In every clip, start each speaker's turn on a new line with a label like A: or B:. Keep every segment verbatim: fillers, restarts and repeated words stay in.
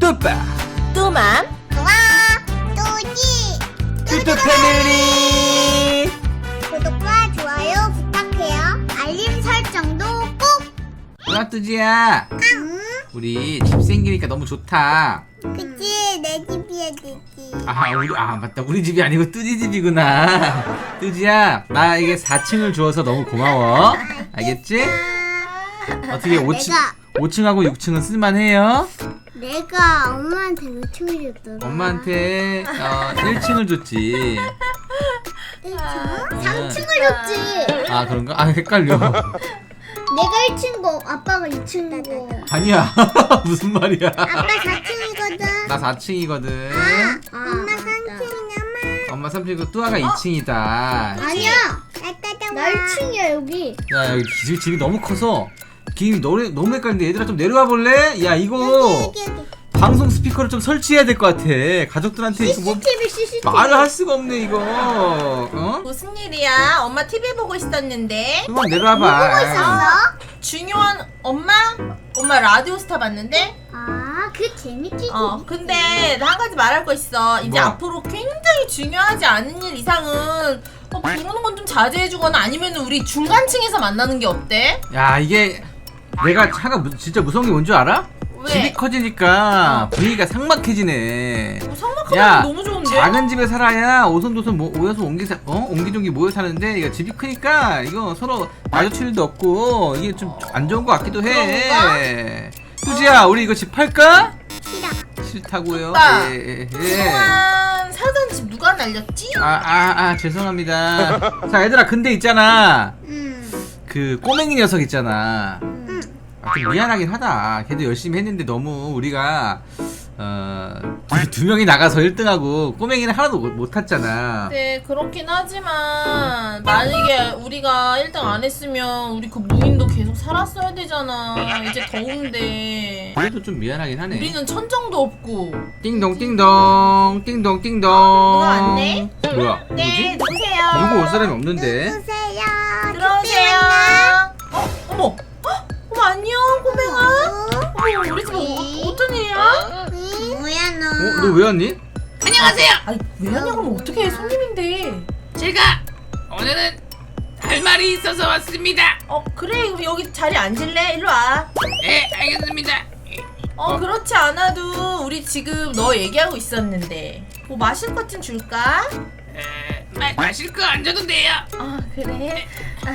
A: 뚜빠
B: 뚜맘
C: 좋아 뚜지
A: 뚜뚜 패밀리.
C: 구독과 좋아요 부탁해요. 알림 설정도 꼭.
A: 누나 뚜지야,
C: 응?
A: 우리 집 생기니까 너무 좋다.
C: 그치 내 집이야 내 집.
A: 아 우리 아 맞다, 우리 집이 아니고 뚜지 집이구나. 뚜지야, 나 이게 사 층을 주어서 너무 고마워. 알겠지? 어떻게 오 층
C: 내가
A: 오 층하고 육 층은 쓸만해요?
C: 내가 엄마한테 몇 층을 줬더라?
A: 엄마한테 어, 일 층을 줬지.
C: 삼 층을 줬지.
A: 아 그런가? 아 헷갈려.
C: 내가 일 층이고 아빠가 이 층이고.
A: 아니야. 무슨 말이야?
C: 아빠 사 층이거든.
A: 나 사 층이거든.
C: 아, 엄마 삼 층이냐마.
A: 엄마 삼 층이고 뚜아가 이 층이다.
C: 아니야. 나 일 층이야 여기.
A: 야 여기 집이, 집이 너무 커서 김 너무 너무 헷갈린데, 얘들아 좀 내려와 볼래? 야 이거
C: 여기 여기 여기.
A: 방송 스피커를 좀 설치해야 될 것 같아. 가족들한테 이거 뭐
C: 씨씨티비 씨씨티비.
A: 말을 할 수가 없네 이거. 어?
B: 무슨 일이야? 엄마 티비 보고 있었는데.
A: 뚜아 내려와봐.
C: 뭐 보고 있었어?
B: 중요한 엄마? 엄마 라디오 스타 봤는데?
C: 아, 그 재밌지.
B: 어 근데 나 한 가지 말할 거 있어. 이제
A: 뭐?
B: 앞으로 굉장히 중요하지 않은 일 이상은 어, 부르는 건 좀 자제해주거나 아니면 우리 중간층에서 만나는 게 어때?
A: 야 이게 내가 차가 무, 진짜 무서운 게 뭔 줄 알아?
B: 왜?
A: 집이 커지니까 분위기가 삭막해지네.
B: 어,
A: 야,
B: 성막하면 너무 좋은데?
A: 작은 집에 살아야 오손도손 모, 모여서 옹기 사, 어? 옹기종기 모여 사는데, 이거 집이 크니까 이거 서로 마주칠 일도 없고 이게 좀 안 좋은 것 같기도 해. 뚜지야, 우리 이거 집 팔까?
C: 싫어.
A: 싫다고요?
B: 오빠,
A: 예, 예, 예.
B: 그동안 살던 집 누가 날렸지?
A: 아, 아, 아, 죄송합니다. 자, 얘들아, 근데 있잖아.
C: 음.
A: 그 꼬맹이 녀석 있잖아.
C: 음.
A: 아, 좀 미안하긴 하다. 걔도 열심히 했는데 너무 우리가 어, 두, 두 명이 나가서 일 등하고 꼬맹이는 하나도 못, 못 탔잖아.
B: 네 그렇긴 하지만 만약에 우리가 일 등 안 했으면 우리 그 무인도 계속 살았어야 되잖아. 이제 더운데
A: 그래도 좀 미안하긴 하네.
B: 우리는 천정도 없고.
A: 띵동 띵동 띵동 띵동.
B: 누가 왔네?
A: 뭐야?
B: 네
A: 누구지?
B: 누구세요?
A: 누구 올 사람이 없는데?
C: 누구세요?
B: 들어오세요. 어 어머 헉, 어머 안녕 꼬맹아. 어머 우리 집 어, 어떤 일이야?
C: 뭐야 너?
A: 어? 너 왜 왔니?
B: 안녕하세요. 아니 왜 하냐고 하면 어떡해 손님인데.
D: 제가 오늘은 할 말이 있어서 왔습니다.
B: 어 그래 그럼 여기 자리 앉을래? 일로 와.
D: 네, 알겠습니다.
B: 어 그렇지 않아도 우리 지금 너 얘기하고 있었는데 뭐 마실 것 좀 줄까?
D: 에, 마, 마실 거 안 줘도 돼요.
B: 아 그래?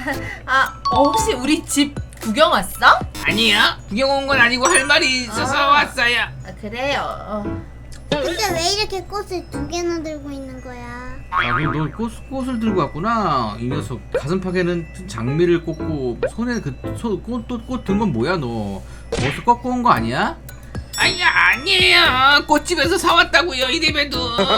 B: 아 어, 혹시 우리 집 구경 왔어?
D: 아니요, 구경 온 건 아니고 할 말이 있어서
B: 아.
D: 왔어요.
B: 아 그래요. 어.
C: 근데 왜 이렇게 꽃을 두 개나 들고 있는 거야?
A: 아, 그럼 너 꽃, 꽃을 들고 왔구나. 이 녀석 가슴팍에는 장미를 꽂고 손에 그꽃 든 건 뭐야 너? 어디서 꺾고 온 거 아니야?
D: 아니 아니에요. 꽃집에서 사왔다고요, 이래봬도.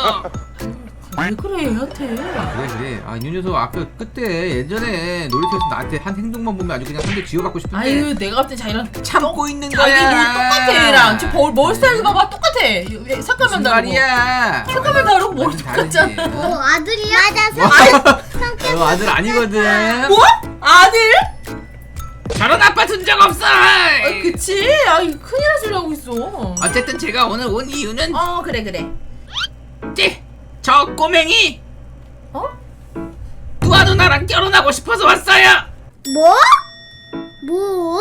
B: 왜 그래 얘한테?
A: 그래 그래. 아 이 녀석 아까 그때 예전에 놀이터에서 나한테 한 행동만 보면 아주 그냥 한 대 쥐어받고 싶은데
B: 아유 내가 봤을 때 자기랑
A: 참고 있는
B: 자기
A: 거야.
B: 뭘 똑같아 얘랑 지금 머, 머리 스타일 봐봐 똑같아. 왜 색깔만
A: 무슨
B: 다르고
A: 말이야?
B: 색깔만 다르고 머리
A: 완전 다르지.
B: 똑같잖아.
C: 어 아들이야?
A: 뭐?
C: 맞아.
A: 너 아들 아니거든.
B: 뭐? 아들?
D: 저런 아빠 둔 적 없어.
B: 아 그치? 아 큰일 날 소리 하고 있어.
D: 어쨌든 제가 오늘 온 이유는
B: 어 그래 그래.
D: 찌, 저 꼬맹이
B: 어?
D: 뚜아 누나랑 결혼하고 싶어서 왔어요.
C: 뭐? 뭐?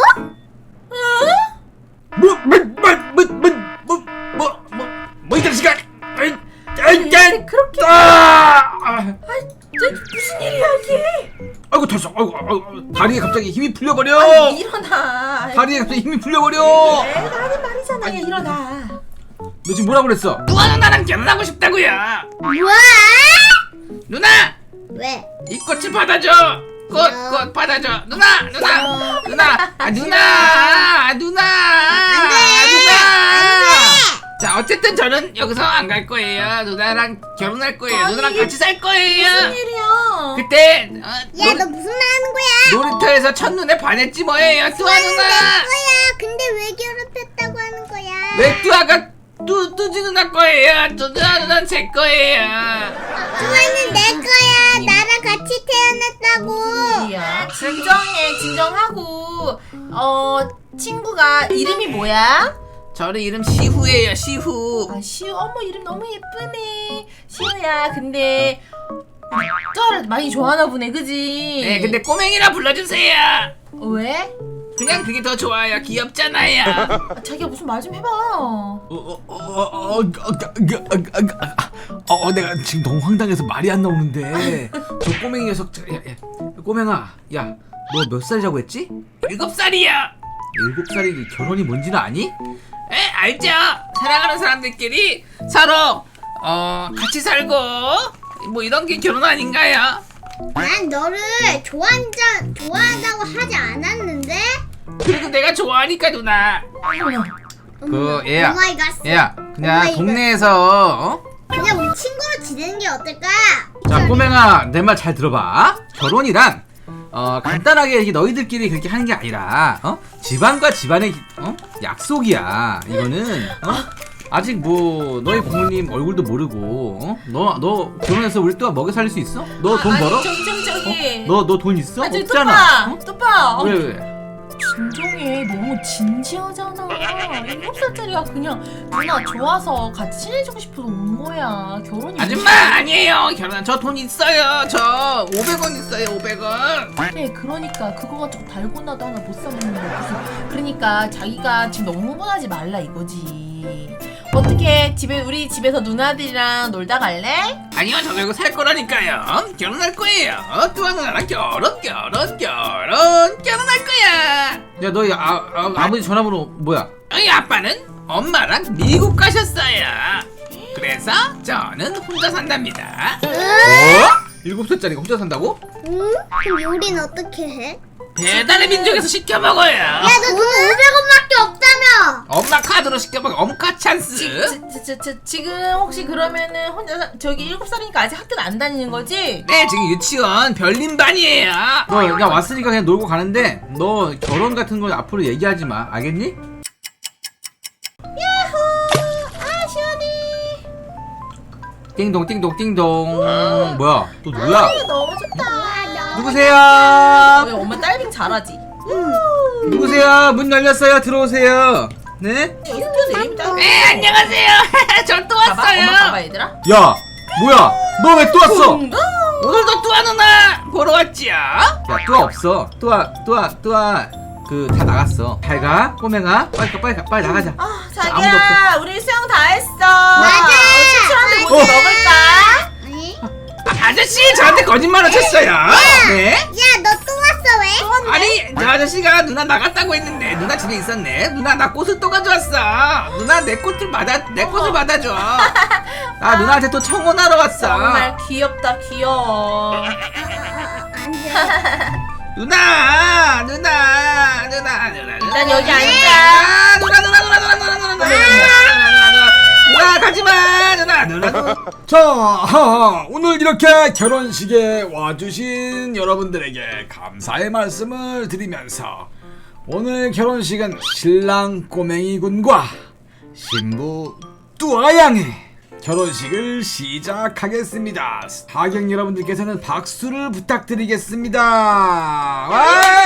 A: 뭐뭐뭐뭐뭐뭐뭐이 자식아! 아이, 아이,
B: 근데
A: 아이,
B: 그렇게
A: 아! 아,
B: 저, 무슨 일이야 이게?
A: 아이고 됐어. 아이고, 아이고, 다리에 갑자기 힘이 풀려버려.
B: 아니 일어나.
A: 다리에 갑자기 힘이 풀려버려.
B: 내가 하는 말이잖아. 얘 일어나.
A: 너 지금 뭐라 그랬어?
D: 뚜아 누나랑 결혼하고 싶다고요.
C: 뭐야?
D: 누나,
C: 왜?
D: 이 꽃을 받아줘. 꽃, 꽃 받아줘. 누나, 누나, 누나, 아 누나, 아 누나, 아 누나. 자, 어쨌든 저는 여기서 안 갈 거예요. 누나랑 결혼할 거예요.
B: 아니,
D: 누나랑
B: 이게
D: 같이 살 거예요.
B: 무슨 일이야?
D: 그때 어,
C: 야
D: 놀이,
C: 너 무슨 말 하는 거야?
D: 놀이터에서 첫눈에 반했지 뭐예요, 뚜아
C: 내
D: 누나.
C: 거야. 근데 왜 괴롭혔다고 하는 거야?
D: 왜 뚜아가 뚜 뚜지 누나 거예요? 뚜아 누나는 제 거예요.
C: 좋아는 내 거야. 나랑 같이 태어났다고.
B: 무슨 일이야? 진정해, 진정하고. 어, 친구가 이름이 뭐야?
D: 저는 이름 시후예요. 시후.
B: 아 시우 어머 이름 너무 예쁘네. 시우야 근데 쩌를 많이 좋아하나 보네 그지?
D: 네, 근데 꼬맹이라 불러주세요.
B: 어, 왜?
D: 그냥 그게 더 좋아요. 귀엽잖아요.
B: 아, 자기야 무슨 말 좀 해봐.
A: 어, 어, 어, 어, 어, 어, 어, 어, 내가 지금 너무 황당해서 말이 안 나오는데 저 꼬맹이 녀석, 저, 야, 야, 꼬맹아, 야, 너 몇 살이라고 했지?
D: 일곱 살이야.
A: 일곱 살이 결혼이 뭔지는 아니?
D: 에, 알죠? 사랑하는 사람들끼리 서로 어 같이 살고 뭐 이런 게 결혼 아닌가요?
C: 난 너를 좋아한다, 좋아한다고 하지 않았는데?
D: 그래도 내가 좋아하니까 누나.
B: 어머나.
A: 그 얘야,
C: 오마이갓.
A: 얘야, 그냥
C: 오마이갓.
A: 동네에서 어?
C: 그냥 우리 친구로 지내는 게 어떨까?
A: 자, 꼬맹아, 내 말 잘 들어봐. 결혼이란 어 간단하게 이렇게 너희들끼리 그렇게 하는 게 아니라 어 집안과 집안의 어 약속이야. 이거는 어 아직 뭐 너희 부모님 얼굴도 모르고 어? 너 너 결혼해서 우리 또 먹여 살릴 수 있어? 너 돈
B: 아니,
A: 벌어?
B: 저기 저기 저기.
A: 너 너 돈 있어?
B: 아, 저기
A: 없잖아.
B: 뚜빠. 뚜빠.
A: 어?
B: 어,
A: 왜 왜?
B: 진정해. 너무 진지하잖아. 일곱 살짜리가 그냥 누나 좋아서 같이 친해지고 싶어서 온 거야. 결혼이
D: 아줌마 아니에요. 결혼 저 돈 있어요. 저 오백 원 있어요. 오백 원.
B: 그래 그러니까 그거 가지고 달고나도 하나 못 사먹는 거야. 무슨 그러니까 자기가 지금 너무 흥분하지 말라 이거지. 어떻게 집에 우리 집에서 누나들이랑 놀다 갈래?
D: 아니요, 저도 이거 살 거라니까요. 결혼할 거예요. 뚜아 누나랑 결혼, 결혼, 결혼, 결혼할 거야.
A: 야, 너희 아, 아 아버지 전화번호 뭐야?
D: 저희 아빠는 엄마랑 미국 가셨어요. 그래서 저는 혼자 산답니다.
A: 어? 일곱 살짜리가 혼자 산다고?
C: 응? 그럼 요리는 어떻게 해?
D: 배달의 민족에서 시켜 먹어요.
C: 야, 너 돈 오백 원밖에 없다며!
D: 엄마 카드로 시켜 먹어. 엄카 찬스.
B: 지, 지, 지, 지금 혹시 그러면은 혼자 사- 저기 일곱 살이니까 아직 학교는 안 다니는 거지?
D: 네, 지금 유치원 별림반이에요.
A: 너 야 왔으니까 그냥 놀고 가는데 너 결혼 같은 거 앞으로 얘기하지 마. 알겠니?
B: 아 시원해.
A: 띵동 띵동 띵동. 뭐야? 또 누구야?
B: 이거 너무 좋다.
A: 누구세요?
B: 우리 엄마 딸빙 잘하지?
A: 누구세요? 문 열렸어요. 들어오세요. 네?
B: 어떻게 이름이 딸빙?
D: 네, 안녕하세요. 전 또
B: 봐봐
D: 왔어요.
B: 엄마 봐봐 얘들아.
A: 야, 뭐야? 너 왜 또 왔어?
D: 오늘도 뚜아 누나 보러 왔지요.
A: 야, 뚜아 없어. 뚜아, 뚜아, 뚜아 그 다 나갔어. 잘 가, 꼬맹아. 빨리 가, 빨리 가, 빨리 나가자.
B: 아
A: 아무도
B: 자기야 우리 수영 다 했어.
C: 맞아.
B: 추추한테 뭐
A: 어.
B: 먹을까?
C: 아니?
D: 아, 아저씨 저한테 거짓말을 쳤어요. 네?
C: 야, 너 또 왔어, 왜?
D: 아니 저 아저씨가 누나 나갔다고 했는데 누나 집에 있었네. 누나 나 꽃을 또 가져왔어. 누나 내 꽃을 받아 내 꽃을 받아줘. 나 누나한테 또 청혼하러 왔어.
B: 정말 귀엽다 귀여워.
C: 안 돼.
D: 누나 누나 누나 누나 누나.
B: 일단 여기 앉아.
D: 아, 누나 누나 누나 누나 누나 누나 누나 누나 누나 가지마 누나 누나 누나.
E: 자, 하하, 오늘 이렇게 결혼식에 와주신 여러분들에게 감사의 말씀을 드리면서 오늘 결혼식은 신랑 꼬맹이 군과 신부 뚜아양의 결혼식을 시작하겠습니다. 하객 여러분들께서는 박수를 부탁드리겠습니다. 와!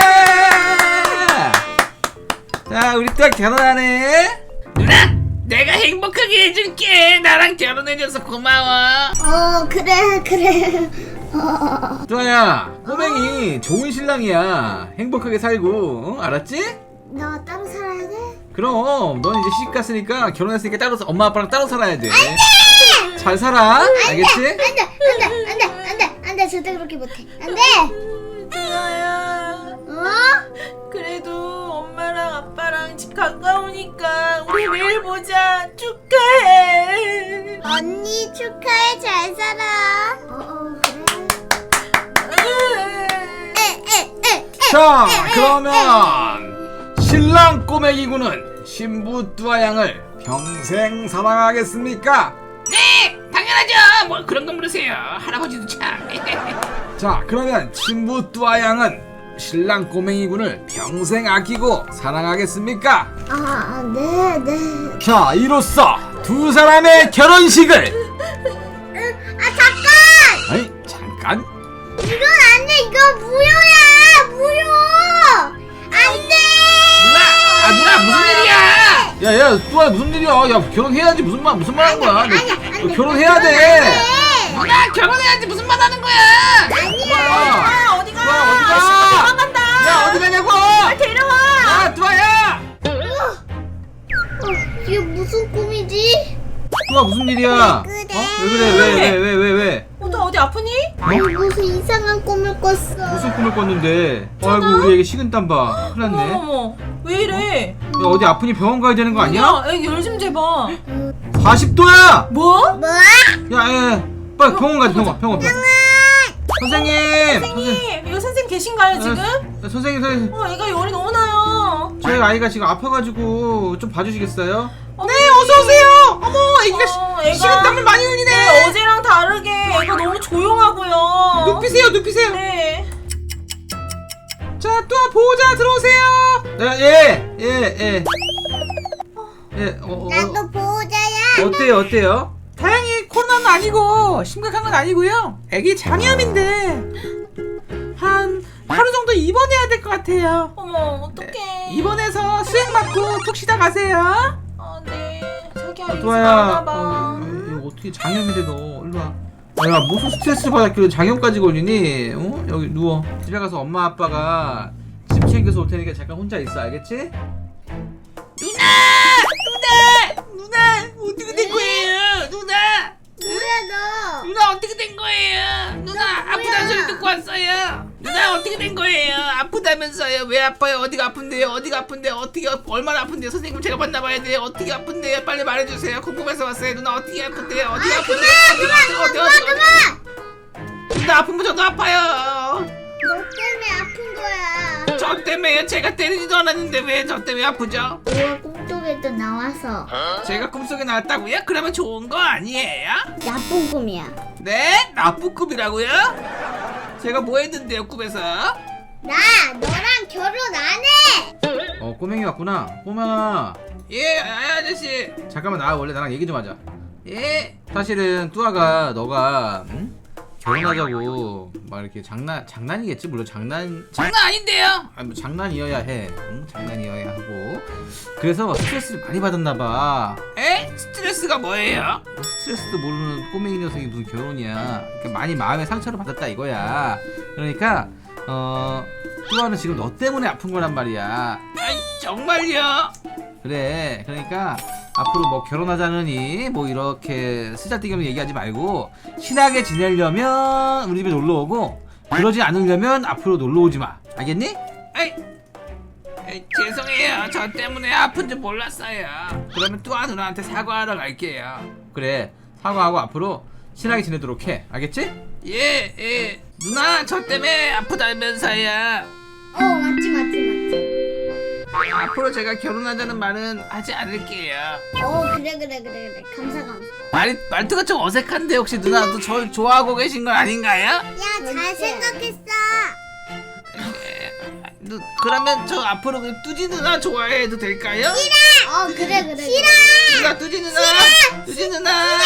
A: 자, 우리 뚜아 결혼하네.
D: 누나 내가 행복하게 해줄게. 나랑 결혼해줘서 고마워.
C: 어, 그래, 그래. 어.
A: 뚜아야, 꼬맹이 좋은 신랑이야. 행복하게 살고, 어? 알았지?
C: 너 따로 살아야 돼?
A: 그럼 넌 이제 시집 갔으니까 결혼했으니까 따로 사- 엄마 아빠랑 따로 살아야 돼. 잘 살아, 알겠지?
C: 안 돼, 안 돼, 안 돼, 안 돼, 안 돼. 절대 그렇게 못해. 안 돼!
B: 누나야.
C: 어?
B: 그래도 엄마랑 아빠랑 집 가까우니까 우리 매일 보자. 축하해.
C: 언니 축하해, 잘 살아. 어, 어, 그래. 에, 에, 에, 에.
E: 자, 그러면 신랑 꼬맹이 군은 신부 뚜아양을 평생 사랑하겠습니까?
D: 네 당연하죠. 뭐 그런 거 물으세요. 할아버지도 참.
E: 자, 그러면 신부 뚜아양은 신랑 꼬맹이 군을 평생 아끼고 사랑하겠습니까?
C: 아, 네, 네.
E: 자, 이로써 두 사람의 결혼식을
C: 아, 잠깐!
E: 아니, 잠깐.
C: 이건 안 돼, 이거 무효야! 무효! 안 돼!
D: 누나 아 누나 무슨 일이야?
A: 야야 뚜아 무슨 일이야? 야 결혼해야지 무슨 말 무슨 말 하는 거야? 너, 너 결혼해야 돼.
D: 누나 결혼해야지 무슨 말 하는 거야?
A: 뚜아
B: 아, 어디가?
A: 뚜아 어디가?
B: 아, 도망간다.
A: 야 어디 가냐고?
B: 데려와.
A: 야 뚜아야.
C: 어, 이게 무슨 꿈이지?
A: 뚜아 무슨 일이야?
C: 왜 그래?
A: 어? 왜 그래? 왜 왜 왜 왜 왜?
B: 어, 너 어디 아프니?
C: 무슨 이상한 꿈을 꿨어.
A: 무슨 꿈을 꿨는데? 아이고 우리 애기 식은땀 봐. 큰일 났네. 야
B: 어머, 왜 이래?
A: 어디 아프니 병원 가야 되는 거 아니야?
B: 애기 열좀 재봐.
A: 사십 도야.
B: 뭐?
C: 뭐?
A: 야, 야, 야, 빨리 병원 가자, 병원, 병원, 병원. 선생님,
B: 선생님, 이거 선생님 계신가요 지금?
A: 어, 선생님, 선생님,
B: 어, 애가 열이 너무 나요.
A: 저희 아이가 지금 아파가지고 좀 봐주시겠어요?
B: 네, 어서 오세요. 어머, 애기가
A: 어,
B: 애가 식은땀을 많이 흘리네. 네, 어제랑 다르게 애가 너무 조용하고요.
A: 눕히세요, 눕히세요.
B: 네.
A: 자, 또 보호자 들어오세요. 네, 예, 예, 예. 예, 어, 어,
C: 나도 보호자야.
A: 어때요, 어때요?
D: 다행히 코로나는 아니고 심각한 건 아니고요. 애기 장염인데 한 하루 정도 입원해야 될 것 같아요.
B: 어머, 어떡해.
D: 입원해서 수액 맞고 푹 쉬다 가세요.
B: 아, 네. 자기야, 이거
A: 또아야,
B: 많나 봐.
A: 어, 이거 어떻게 장염인데 너 일로 와. 아, 야, 무슨 스트레스 받았길래 장염까지 걸리니? 어? 여기 누워. 집에 가서 엄마 아빠가 집 챙겨서 올 테니까 잠깐 혼자 있어, 알겠지?
D: 누나! 누나! 누나! 어떻게 된 거예요? 누나!
C: 뭐야 너?
D: 누나 어떻게 된 거예요? 누나 아프다는 소리 듣고 왔어요. 누나 어떻게 된 거예요? 아프다면서요? 왜 아파요? 어디가 아픈데요? 어디가 아픈데요? 어떻게 얼마나 아픈데요? 선생님 제가 만나봐야 돼요. 어떻게 아픈데요? 빨리 말해주세요. 궁금해서 왔어요. 누나 어떻게 아픈데요? 어디가 아픈데요? 어디가 어디 어디 어디 어디 누나 아프면 저도 아파요.
C: 너 때문에 아픈 거야.
D: 저 때문에요? 제가 때리지도 않았는데 왜 저 때문에 아프죠?
C: 너가 꿈속에도 나와서
D: 제가 꿈속에 나왔다고요? 그러면 좋은 거 아니에요?
C: 나쁜 꿈이야.
D: 네? 나쁜 꿈이라고요? 제가 뭐 했는데요 꿈에서?
C: 나 너랑 결혼 안 해.
A: 어, 꼬맹이 왔구나. 꼬맹아,
D: 예 아, 아저씨
A: 잠깐만 나와. 원래 나랑 얘기 좀 하자.
D: 예
A: 사실은 뚜아가 너가 응? 결혼하자고 막 이렇게 장난 장난이겠지 물론 장난
D: 장난 아닌데요?
A: 아니 뭐 장난이어야 해. 응? 장난이어야 하고 그래서 스트레스를 많이 받았나봐.
D: 에? 스트레스가 뭐예요?
A: 스트레스도 모르는 꼬맹이 녀석이 무슨 결혼이야. 이렇게 많이 마음에 상처를 받았다 이거야. 그러니까 어 뚜아는 지금 너 때문에 아픈 거란 말이야.
D: 아이 정말요?
A: 그래 그러니까 앞으로 뭐 결혼하자느니 뭐 이렇게 쓰잘데기 없는 얘기하지 말고 친하게 지내려면 우리 집에 놀러 오고 그러지 않으려면 앞으로 놀러 오지 마. 알겠니?
D: 아이 에이, 죄송해요 저 때문에 아픈 줄 몰랐어요. 그러면 뚜아 누나한테 사과하러 갈게요.
A: 그래 사과하고 앞으로 친하게 지내도록 해. 알겠지?
D: 예 예. 누나 저 때문에 아프다면서요.
C: 어 맞지 맞지 맞지.
D: 앞으로 제가 결혼하자는 말은 하지 않을게요.
C: 어 그래 그래 그래 그래. 감사 감사.
D: 말, 말투가 좀 어색한데 혹시 누나도 저 좋아하고 계신 건 아닌가요?
C: 야 잘 생각했어.
D: 에, 누, 그러면 저 앞으로 그 뚜지 누나 좋아해도 될까요?
C: 어 그래 그래. 싫어.
D: 누나 뚜지 누나 뚜지 누나